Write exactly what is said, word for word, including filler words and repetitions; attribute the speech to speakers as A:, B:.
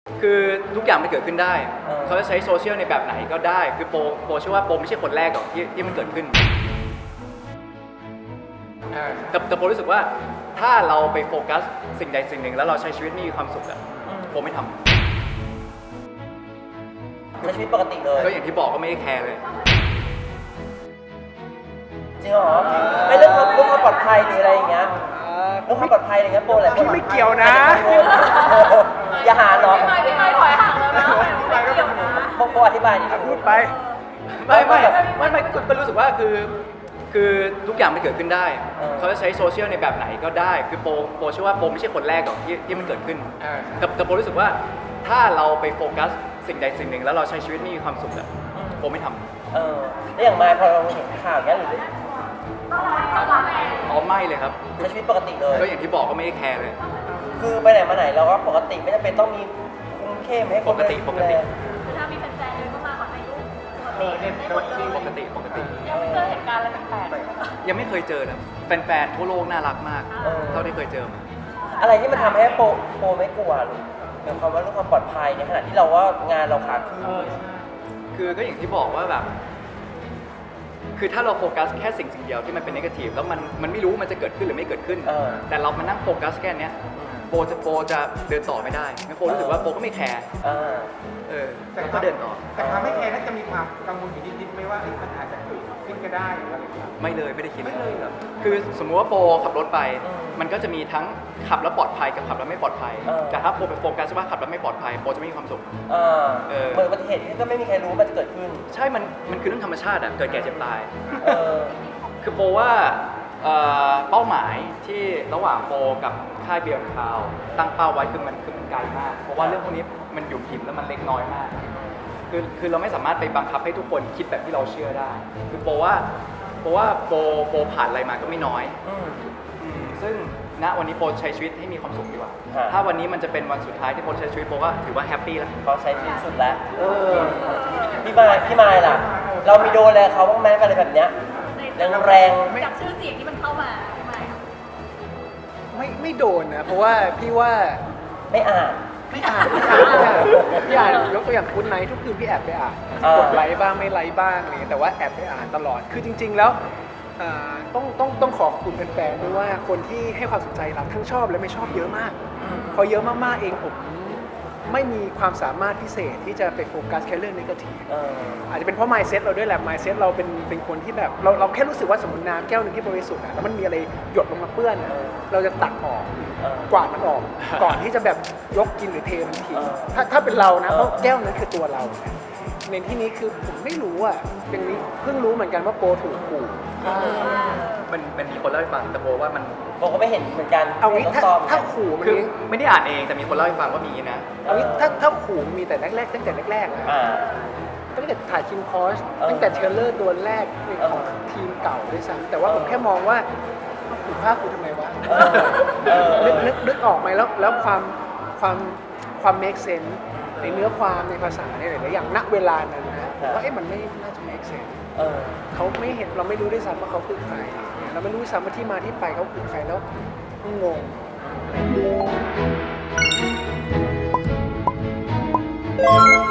A: คือทุกอย่างมันเกิดขึ้นได้เขาจะใช้โซเชียลในแบบไหนก็ได้คือโปโปเชื่อว่าโปไม่ใช่คนแรกหรอกที่ที่มันเกิดขึ้นแต่แต่โปรู้สึกว่าถ้าเราไปโฟกัสสิ่งใดสิ่งหนึ่งแล้วเราใช้ชีวิตมีความสุขอะโปไม่ทำ
B: ใช้ชีวิตปกติเลย
A: ก็อย่างที่บอกก็ไม่ได้แคร์เลย
B: จริงเหรอไม่เรื่องความเรื่องความปลอดภัยหรืออะไรอย่างเงี้ยเรื่องความปลอดภัยอะไรเงี้ยโปแหละ
C: พี่ไม่เกี่ยวนะ
B: อย่าหาเนาะ
D: พี่ไม่พี่ไม่ถอยห่างแล้วนะไม่เกี่ยวนะ
B: โปโปอธิบายดิ
C: พูดไป
A: ไม่ไม่ไม่ไม่ก็รู้สึกว่าคือคือทุกอย่างมันเกิดขึ้นได้เขาจะใช้โซเชียลในแบบไหนก็ได้คือโปโปเชื่อว่าโปไม่ใช่คนแรกหรอกที่ที่มันเกิดขึ้นแต่แต่โปรู้สึกว่าถ้าเราไปโฟกัสสิ่งใดสิ่งหนึ่งแล้วเราใช้ชีวิตมีความสุขอะโปไม่ทำ
B: เออแล้วอย่างมาพอเราเห็นข่าวเงี้ยหรือ
A: อ๋อไม่เลยครับ
B: ใช้ชีวิตปกติเลย
A: ก็อย่างที่บอกก็ไม่ได้แคร์เลย
B: คือไปไหนมาไหนเราก็ปกติไม่จำเป็นต้องมีคุมเข้มให้คน
A: ปกติปกติ
D: ถ้ามีแฟนๆเดินเข้ามาขอถ่ายรูป
A: มีเนี่ยปกติปกติ
D: ยังไม่เจอเหตุการณ์อะไรแปลก
A: ๆยังไม่เคยเจอนะแฟนๆทั่วโลกน่ารักมากเท่าที่เคยเจอมา
B: อะไรที่มันทำให้โปโปไม่กลัวหรือหมายความว่าเรื่องความปลอดภัยในขณะที่เราว่างานเราขาขึ้น
A: คือก็อย่างที่บอกว่าแบบคือถ้าเราโฟกัสแค่สิ่งสิ่งเดียวที่มันเป็นเนกาทีฟแล้วมันมันไม่รู้มันจะเกิดขึ้นหรือไม่เกิดขึ้นแต่เรามานั่งโฟกัสแค่นี้โปจะโปจะเดินต่อไม่ได้งั้นโปรู้สึกว่าโปก็ไม่แคร์เออแล้วก็เดินต่อ
E: แต่ความไม่แคร์น่าจะมีความกังวลอยู่นิดๆไม่ว่ามันอาจจะเกิดขึ้นก็ได้หรืออะไรอย่างเงี้ย
A: ไม่เลยไม่ได้คิดไม่เลยคือสมมุติว่าโปขับรถไปมันก็จะมีทั้งขับแล้วปลอดภัยกับขับแล้วไม่ปลอดภัยแต่ถ้าโปไปโฟกัสว่าขับแล้วไม่ปลอดภัยโปจะไม่มีความสุข
B: เหมือนอุบัติเหตุที่ก็ไม่มีใครรู้มันจะเกิดขึ้น
A: ใช่มันมันคือเรื่องธรรมชาติอะเกิดแก่เจ็บตายคือโปว่าเป้าหมายที่ระหว่างโปกับค่ายเบียร์คาวตั้งเป้าไว้คือมันคือมันไกลมากเพราะว่าเรื่องพวกนี้มันหยุ่มหยิมแล้วมันเล็กน้อยมากคือคือเราไม่สามารถไปบังคับให้ทุกคนคิดแบบที่เราเชื่อได้คือโปว่าโปว่าโปโปผ่านอะไรมาก็ไม่น้อยซึ่งณวันนี้โปใช้ชีวิตให้มีความสุขดีกว่าถ้าวันนี้มันจะเป็นวันสุดท้ายที่โปใช้ชีวิตโปก็ถือว่าแฮปปี้แล้ว
B: เขาใช้ชีวิตสุดแล้วพี่มายพี่มายล่ะเรามีโดนอะไรเขาบ้างไหมอะไรแบบเนี้ยแรงแรง
D: จากชื่อเสียงที่มันเข้ามาไม่
C: ไม่ไม่โดนนะเพราะว่าพี่ว่า
B: ไม่อ่าน
C: ไม่อ่านไม่อ่านพี่อ่านยกตัวอย่างคุณไนท์ทุกคืนพี่แอบไปอ่านกดไลค์บ้างไม่ไลค์บ้างอะไรแต่ว่าแอบไปอ่านตลอดคือจริงๆแล้วต้องต้องต้องขอบคุณแฟนๆด้วยว่าคนที่ให้ความสนใจเราทั้งชอบและไม่ชอบเยอะมากพอเยอะมากๆเองผมไม่มีความสามารถพิเศษที่จะไปโฟกัสแค่เรื่องเนกาทีฟอาจจะเป็นเพราะ mindset เราด้วยแหละ mindset เราเป็นเป็นคนที่แบบเราเราแค่รู้สึกว่าสมมติน้ำแก้วนึงที่บริสุทธิ์แล้วมันมีอะไรหยดลงมาเปื้อนเราจะตักออกกวาดมันออกก่อนที่จะแบบยกกินหรือเทมันทิ้งถ้าถ้าเป็นเรานะเพราะแก้วนั้นคือตัวเราในที่นี้คือผมไม่รู้อ่ะเป็นนี้เพิ่งรู้เหมือนกันว่าโปรถูกขู่
A: มันมันมีคนเล่าให้ฟังแต่โปว่ามัน
B: โปก็ไม่เห็นเหมือนกัน
C: เอางี้ถ้าถ้าขู่มัน
A: คือไม่ได้อ่านเองแต่มีคนเล่าให้ฟังว่ามีนะ
C: เอางี้ถ้าถ้าขู่มีแต่แรกๆตั้งแต่แรกๆนะตั้งแต่ถ่ายทีมคอสตั้งแต่เทรลเลอร์ตัวแรกของทีมเก่าด้วยซ้ำแต่ว่าผมแค่มองว่าขู่ฆ่ากูทำไมวะนึกนึกนึกออกไหมแล้วแล้วความความความ make sense ในเนื้อความในภาษาในหลายๆอย่างณเวลานั้นนะผมว่าเอ๊ะมันไม่น่าจะ make sense เขาไม่เห็นเราไม่รู้ด้วยซ้ำว่าเขาคือใครเราไม่รู้ด้วยซ้ำว่าที่มาที่ไปเขาคือใครแล้วงง